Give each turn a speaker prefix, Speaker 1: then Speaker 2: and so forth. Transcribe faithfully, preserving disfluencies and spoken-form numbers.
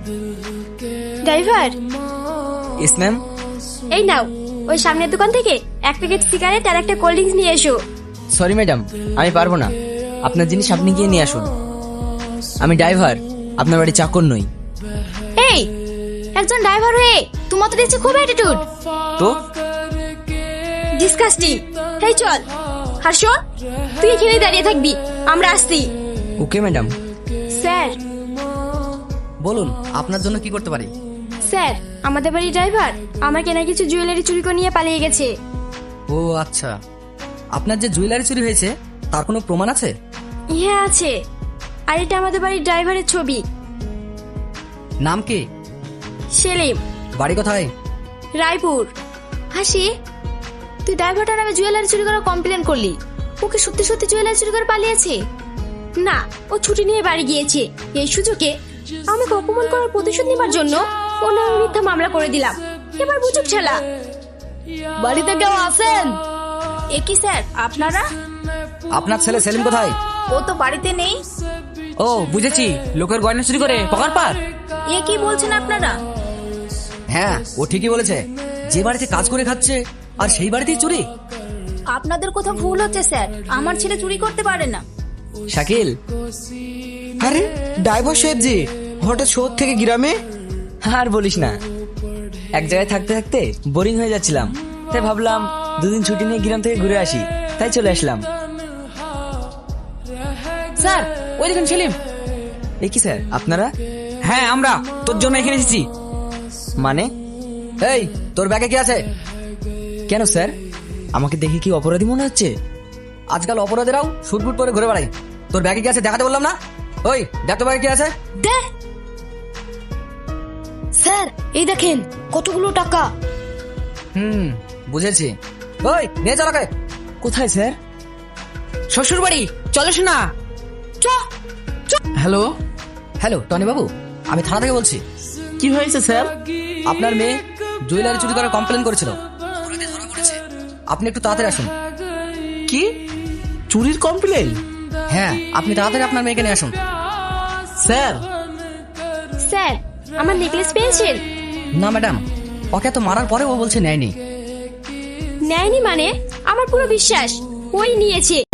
Speaker 1: Driver,
Speaker 2: ইস ma'am.
Speaker 1: এই নাও, ওই সামনের দোকান থেকে এক প্যাকেট সিগারেট আর একটা কোল্ড ড্রিঙ্কস নিয়ে এসো।
Speaker 2: সরি ম্যাডাম, আমি পারবো না। আপনার জিনিস আপনি গিয়ে নিয়ে আসুন। আমি ড্রাইভার, আপনার বাড়ি চাকর নই।
Speaker 1: এই, একজন ড্রাইভার হয়ে তোমার তো দেখছি খুব অ্যাটিটিউড।
Speaker 2: তো
Speaker 1: ডিসকাস্টিং। এই চল। আর শোন, তুই এখানেই দাঁড়িয়ে থাকবি, আমরা আসছি।
Speaker 2: Okay madam.
Speaker 1: স্যার,
Speaker 3: বলুন আপনার জন্য কি করতে পারি?
Speaker 1: স্যার, আমাদের বাড়ির ড্রাইভার আমার কেনা কিছু জুয়েলারি চুরি করে নিয়ে পালিয়ে গেছে।
Speaker 3: ও আচ্ছা, আপনার যে জুয়েলারি চুরি হয়েছে তার কোনো প্রমাণ আছে?
Speaker 1: হ্যাঁ আছে, আর এটা আমাদের বাড়ির ড্রাইভারের ছবি।
Speaker 3: নাম কি?
Speaker 1: সেলিম।
Speaker 3: বাড়ি কোথায়?
Speaker 1: রায়পুর। হাসি, তুই ড্রাইভারটার নামে জুয়েলারি চুরি করার কমপ্লেন করলি, ওকে সত্যি সত্যি জুয়েলারি চুরি করে পালিয়েছে? না, ও ছুটি নিয়ে বাড়ি গিয়েছে। এই সুযোগে আমাকে অপমান করার প্রতিশোধ নেবার জন্য ও নামে মিথ্যা মামলা করে দিলাম। এবার বুঝুক ছেলা। বাড়িতে কেউ আছেন? এ কি স্যার, আপনারা?
Speaker 3: আপনার ছেলে সেলিম কোথায়?
Speaker 1: ও তো বাড়িতে নেই।
Speaker 3: ও বুঝেছি, লোকের গয়না চুরি করে পকার পার।
Speaker 1: এ কি বলছেন আপনারা?
Speaker 3: হ্যাঁ, ও ঠিকই বলেছে। যে বাড়িতে কাজ করে খাচ্ছে আর সেই বাড়িতেই চুরি।
Speaker 1: আপনাদের কোথাও ভুল হচ্ছে স্যার, আমার ছেলে চুরি করতে পারে না।
Speaker 2: শাকিল।
Speaker 4: আরে ড্রাইভার সাহেব জি, হঠাৎ শহর থেকে গ্রামে?
Speaker 2: আর বলিস না, এক জায়গায় থাকতে থাকতে বোরিং হয়ে যাচ্ছিলাম, তাই ভাবলাম দুদিন ছুটি নিয়ে গ্রাম থেকে ঘুরে আসি, তাই চলে আসলাম।
Speaker 3: স্যার, ওই দেখুন সেলিম।
Speaker 2: এ কি স্যার, আপনারা?
Speaker 3: হ্যাঁ, আমরা তোর জন্য এখানে এসেছি।
Speaker 2: মানে?
Speaker 3: এই, তোর ব্যাগে কি আছে?
Speaker 2: কেন স্যার, আমাকে দেখে কি অপরাধী মনে হচ্ছে?
Speaker 3: আজকাল অপরাধীরাও শুটবুট পরে ঘুরে বেড়ায়। তোর ব্যাগে কি আছে দেখাতে বললাম না? ওই দেখ তো ব্যাগে কি আছে।
Speaker 1: দে স্যার, এই দেখেন কতগুলো টাকা।
Speaker 3: হুম, বুঝেছি। ওই নিয়ে চল ওকে।
Speaker 2: কোথায় স্যার?
Speaker 3: শ্বশুর বাড়ি, চলো শোনা। হ্যালো হ্যালো টনি বাবু, আমি থানা থেকে বলছি।
Speaker 4: কি হয়েছে স্যার?
Speaker 3: আপনার মেয়ে জুয়েলারি চুরি করার কমপ্লেন করেছিল, অপরাধী ধরা পড়েছে। আপনি একটু তাড়াতাড়ি আসুন।
Speaker 4: কি চুরির কমপ্লেন?
Speaker 3: হ্যাঁ, আপনি তাড়াতাড়ি আপনার মেয়েকে নিয়ে আসুন।
Speaker 4: স্যার,
Speaker 1: স্যার, আমার নেকলেস পেয়েছেন?
Speaker 3: না ম্যাডাম, ওকে তো মারার পরে ও বলছে নেয়নি।
Speaker 1: নেয়নি মানে? আমার পুরো বিশ্বাস ওই নিয়েছে।